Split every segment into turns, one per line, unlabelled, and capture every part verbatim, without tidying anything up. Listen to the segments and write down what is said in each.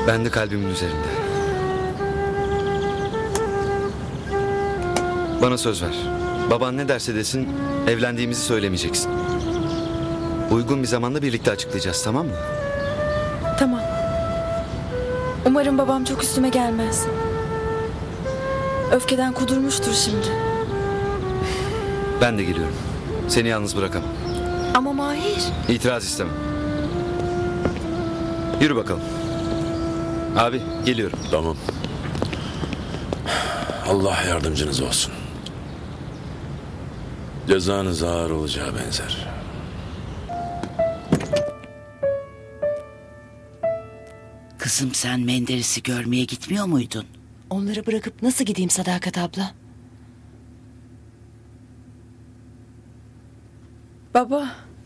Ben de kalbimin üzerinde. Bana söz ver. Baban ne derse desin evlendiğimizi söylemeyeceksin. Uygun bir zamanda birlikte açıklayacağız, tamam mı?
Tamam. Umarım babam çok üstüme gelmez. Öfkeden kudurmuştur şimdi.
Ben de geliyorum. Seni yalnız bırakamam.
Ama Mahir.
İtiraz istemem. Yürü bakalım. Abi geliyorum.
Tamam. Allah yardımcınız olsun. Cezanız ağır olacağı benzer.
Kızım sen Menderes'i görmeye gitmiyor muydun?
Onları bırakıp nasıl gideyim Sadakat abla?
Baba.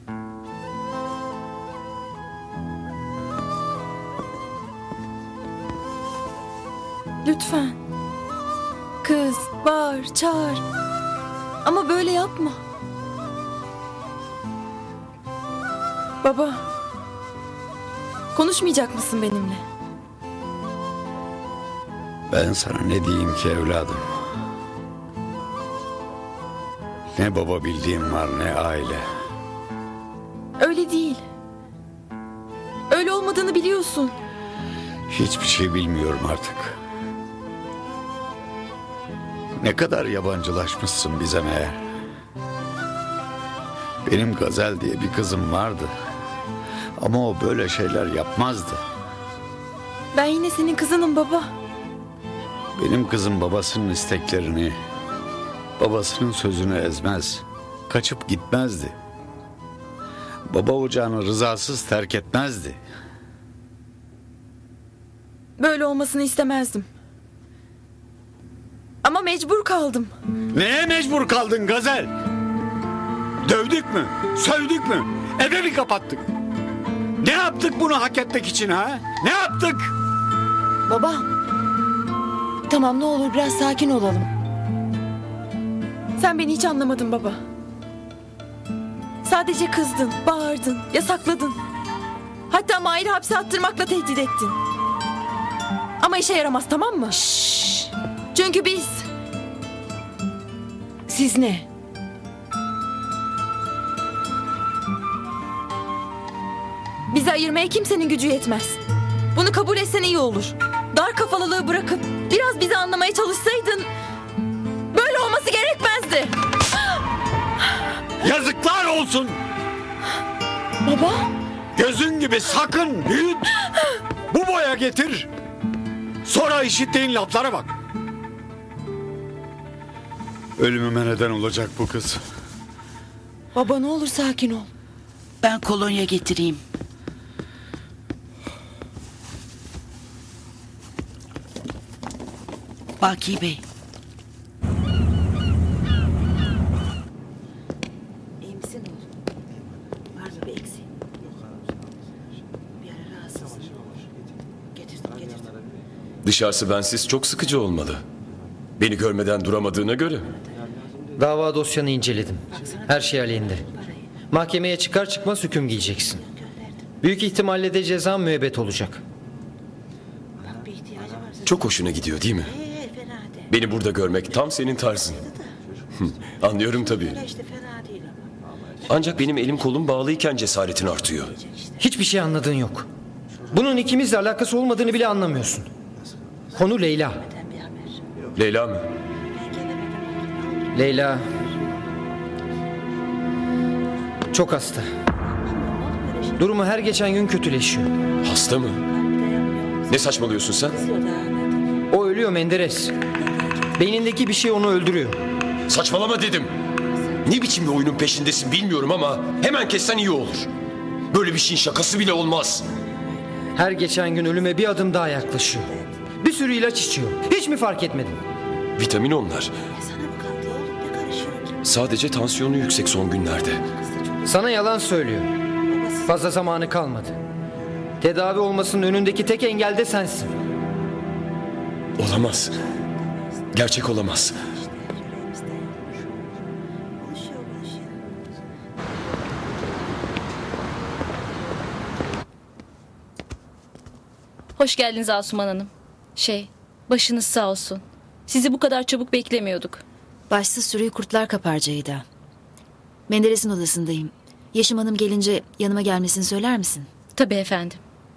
Lütfen. Kız, bağır, çağır. Ama böyle yapma. Baba. Konuşmayacak mısın benimle?
Ben sana ne diyeyim ki evladım? Ne baba bildiğim var ne aile.
Öyle değil. Öyle olmadığını biliyorsun.
Hiçbir şey bilmiyorum artık. Ne kadar yabancılaşmışsın bize meğer. Benim Gazel diye bir kızım vardı. Ama o böyle şeyler yapmazdı.
Ben yine senin kızınım baba.
Benim kızım babasının isteklerini, babasının sözünü ezmez. Kaçıp gitmezdi. Baba ocağını rızasız terk etmezdi.
Böyle olmasını istemezdim. Ama mecbur kaldım.
Neye mecbur kaldın Gazel? Dövdük mü? Sövdük mü? Eve mi kapattık? Ne yaptık bunu hak etmek için ha? Ne yaptık?
Baba. Tamam ne olur biraz sakin olalım.
Sen beni hiç anlamadın baba. Sadece kızdın, bağırdın, yasakladın. Hatta Mahir'i hapse attırmakla tehdit ettin. Ama işe yaramaz, tamam mı?
Şşş.
Çünkü biz...
Siz ne?
Bizi ayırmaya kimsenin gücü yetmez. Bunu kabul etsen iyi olur. Dar kafalılığı bırakıp biraz bizi anlamaya çalışsaydın... böyle olması gerekmezdi.
Yazıklar olsun.
Baba.
Gözün gibi sakın büyüt. Bu boya getir. Sonra işittiğin laflara bak. Ölümüme neden olacak bu kız.
Baba ne olur sakin ol.
Ben kolonya getireyim. Baki Bey.
İyi misin oğlum? Var mı bir eksiğin? Bir ara rahatsızsın. Getirdim getirdim.
Dışarısı bensiz çok sıkıcı olmalı. Beni görmeden duramadığına göre.
Dava dosyanı inceledim. Her şey aleyhinde. Mahkemeye çıkar çıkmaz hüküm giyeceksin. Büyük ihtimalle de ceza müebbet olacak.
Çok hoşuna gidiyor değil mi? Beni burada görmek tam senin tarzın. Anlıyorum tabii. Ancak benim elim kolum bağlıyken cesaretin artıyor.
Hiçbir şey anladığın yok. Bunun ikimizle alakası olmadığını bile anlamıyorsun. Konu Leyla.
Leyla mı?
Leyla çok hasta. Durumu her geçen gün kötüleşiyor.
Hasta mı? Ne saçmalıyorsun sen?
O ölüyor Menderes. Beynindeki bir şey onu öldürüyor.
Saçmalama dedim. Ne biçim bir oyunun peşindesin bilmiyorum ama hemen kessen iyi olur. Böyle bir şeyin şakası bile olmaz.
Her geçen gün ölüme bir adım daha yaklaşıyor. Bir sürü ilaç içiyor. Hiç mi fark etmedin?
Vitamin onlar. Sadece tansiyonu yüksek son günlerde.
Sana yalan söylüyor. Fazla zamanı kalmadı. Tedavi olmasının önündeki tek engel de sensin.
Olamaz. Gerçek olamaz.
Hoş geldiniz Asuman Hanım. Şey, başınız sağ olsun. Sizi bu kadar çabuk beklemiyorduk.
Başsız sürüyü kurtlar kapar Ceyda. Menderes'in odasındayım. Yeşim Hanım gelince yanıma gelmesini söyler misin?
Tabii efendim.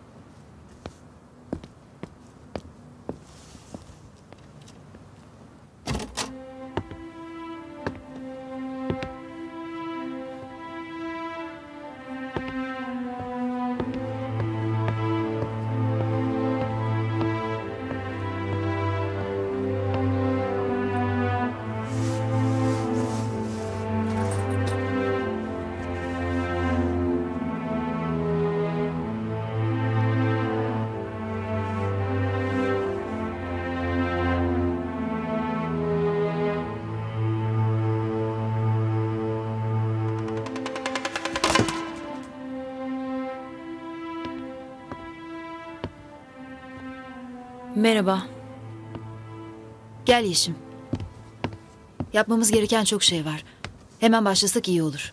Merhaba.
Gel Yeşim. Yapmamız gereken çok şey var. Hemen başlasak iyi olur.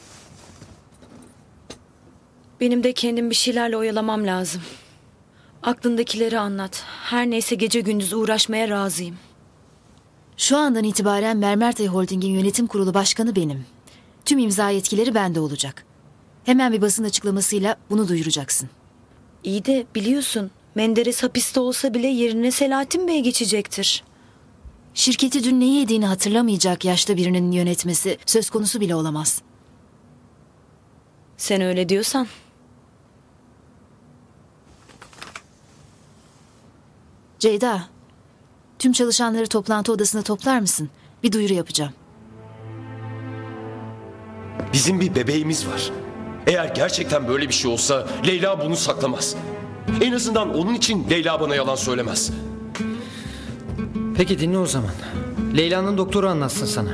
Benim de kendim bir şeylerle oyalamam lazım. Aklındakileri anlat. Her neyse gece gündüz uğraşmaya razıyım.
Şu andan itibaren Mermertay Holding'in yönetim kurulu başkanı benim. Tüm imza yetkileri bende olacak. Hemen bir basın açıklamasıyla bunu duyuracaksın.
İyi de biliyorsun Menderes hapiste olsa bile yerine Selahattin Bey geçecektir.
Şirketi dün neyi yediğini hatırlamayacak yaşta birinin yönetmesi söz konusu bile olamaz.
Sen öyle diyorsan.
Ceyda, tüm çalışanları toplantı odasına toplar mısın? Bir duyuru yapacağım.
Bizim bir bebeğimiz var. Eğer gerçekten böyle bir şey olsa Leyla bunu saklamaz. En azından onun için Leyla bana yalan söylemez.
Peki dinle o zaman. Leyla'nın doktoru anlatsın sana.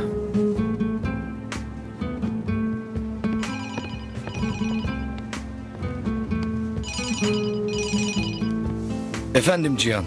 Efendim Cihan.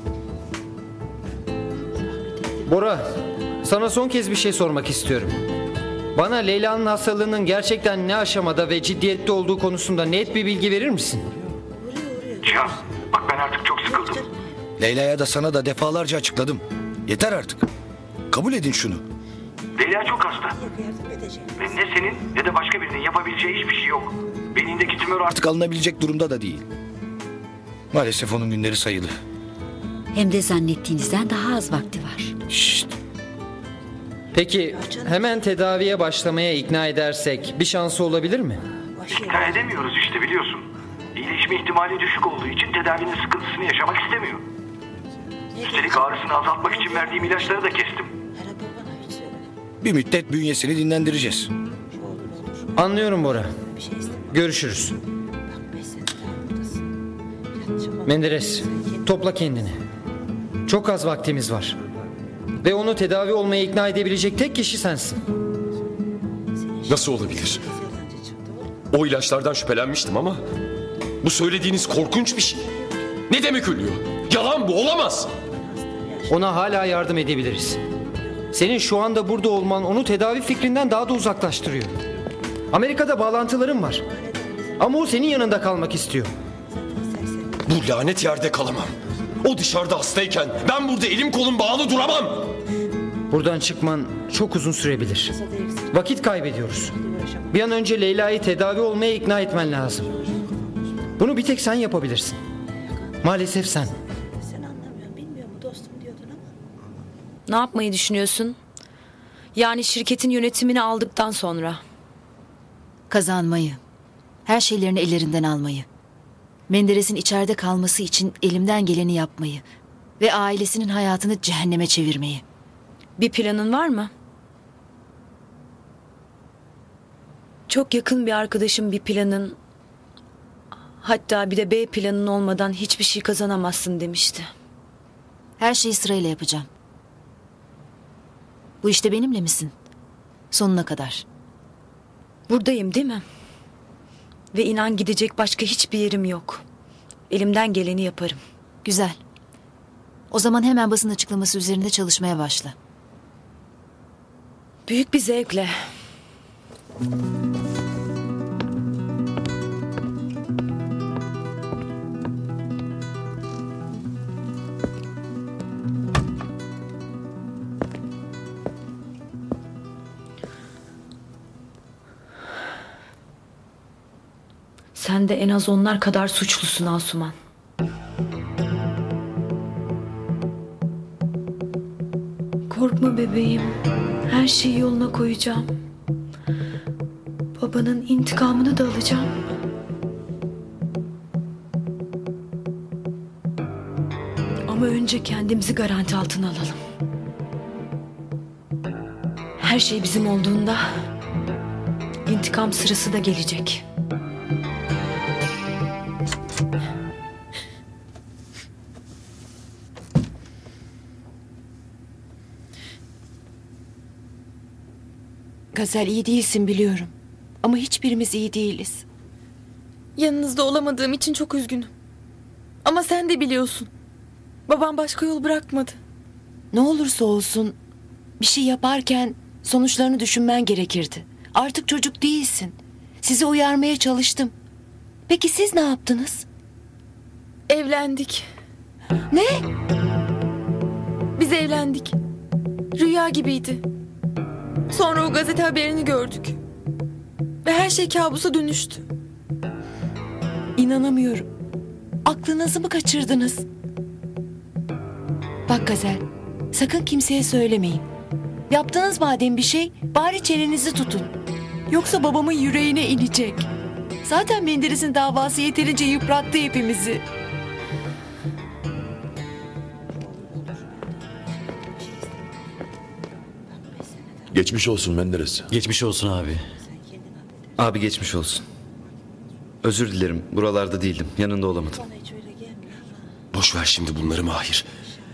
Bora, sana son kez bir şey sormak istiyorum. Bana Leyla'nın hastalığının gerçekten ne aşamada ve ciddiyette olduğu konusunda net bir bilgi verir misin?
Cihan, bak ben artık çok sıkıldım.
Leyla'ya da sana da defalarca açıkladım. Yeter artık. Kabul edin şunu.
Leyla çok hasta. Ve ne senin ne de başka birinin yapabileceği hiçbir şey yok. Beynindeki tümör artık...
Artık alınabilecek durumda da değil. Maalesef onun günleri sayılı.
Hem de zannettiğinizden daha az vakti var.
Şşt.
Peki hemen tedaviye başlamaya ikna edersek bir şansı olabilir mi?
İkna edemiyoruz işte biliyorsun. İyileşme ihtimali düşük olduğu için tedavinin sıkıntısını yaşamak istemiyor. Üstelik ağrısını azaltmak için verdiğim ilaçları da kestim.
Bir müddet bünyesini dinlendireceğiz.
Anlıyorum Bora. Görüşürüz. Menderes, topla kendini. Çok az vaktimiz var. Ve onu tedavi olmaya ikna edebilecek tek kişi sensin.
Nasıl olabilir? O ilaçlardan şüphelenmiştim ama bu söylediğiniz korkunç bir şey. Ne demek ölüyor? Yalan bu, olamaz.
Ona hala yardım edebiliriz. Senin şu anda burada olman onu tedavi fikrinden daha da uzaklaştırıyor. Amerika'da bağlantılarım var. Ama o senin yanında kalmak istiyor.
Bu lanet yerde kalamam. O dışarıda hastayken ben burada elim kolum bağlı duramam.
Buradan çıkman çok uzun sürebilir. Vakit kaybediyoruz. Bir an önce Leyla'yı tedavi olmaya ikna etmen lazım. Bunu bir tek sen yapabilirsin. Maalesef sen.
Sen anlamıyorsun, bilmiyor mu dostum diyordun ama.
Ne yapmayı düşünüyorsun? Yani şirketin yönetimini aldıktan sonra.
Kazanmayı. Her şeylerini ellerinden almayı. Menderes'in içeride kalması için elimden geleni yapmayı. Ve ailesinin hayatını cehenneme çevirmeyi.
Bir planın var mı? Çok yakın bir arkadaşım bir planın, hatta bir de B planın olmadan hiçbir şey kazanamazsın demişti.
Her şeyi sırayla yapacağım. Bu işte benimle misin? Sonuna kadar.
Buradayım değil mi? Ve inan gidecek başka hiçbir yerim yok. Elimden geleni yaparım.
Güzel. O zaman hemen basın açıklaması üzerinde çalışmaya başla.
Büyük bir zevkle. Sen de en az onlar kadar suçlusun Asuman. Korkma bebeğim. Her şeyi yoluna koyacağım. Babanın intikamını da alacağım. Ama önce kendimizi garanti altına alalım. Her şey bizim olduğunda intikam sırası da gelecek.
Gazel, iyi değilsin biliyorum. Ama hiçbirimiz iyi değiliz.
Yanınızda olamadığım için çok üzgünüm. Ama sen de biliyorsun. Babam başka yol bırakmadı.
Ne olursa olsun bir şey yaparken sonuçlarını düşünmen gerekirdi. Artık çocuk değilsin. Sizi uyarmaya çalıştım. Peki siz ne yaptınız?
Evlendik.
Ne?
Biz evlendik. Rüya gibiydi. Sonra o gazete haberini gördük. Ve her şey kabusa dönüştü.
İnanamıyorum. Aklınızı mı kaçırdınız? Bak Gazel, sakın kimseye söylemeyin. Yaptınız madem bir şey, bari çenenizi tutun. Yoksa babamın yüreğine inecek. Zaten Menderes'in davası yeterince yıprattı hepimizi.
Geçmiş olsun Menderes.
Geçmiş olsun abi.
Abi geçmiş olsun. Özür dilerim. Buralarda değildim. Yanında olamadım.
Boş ver şimdi bunları Mahir.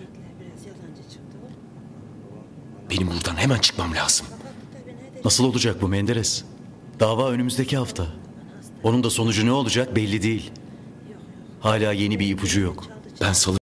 Benim buradan hemen çıkmam lazım.
Nasıl olacak bu Menderes? Dava önümüzdeki hafta. Onun da sonucu ne olacak belli değil. Hala yeni bir ipucu yok.
Ben salı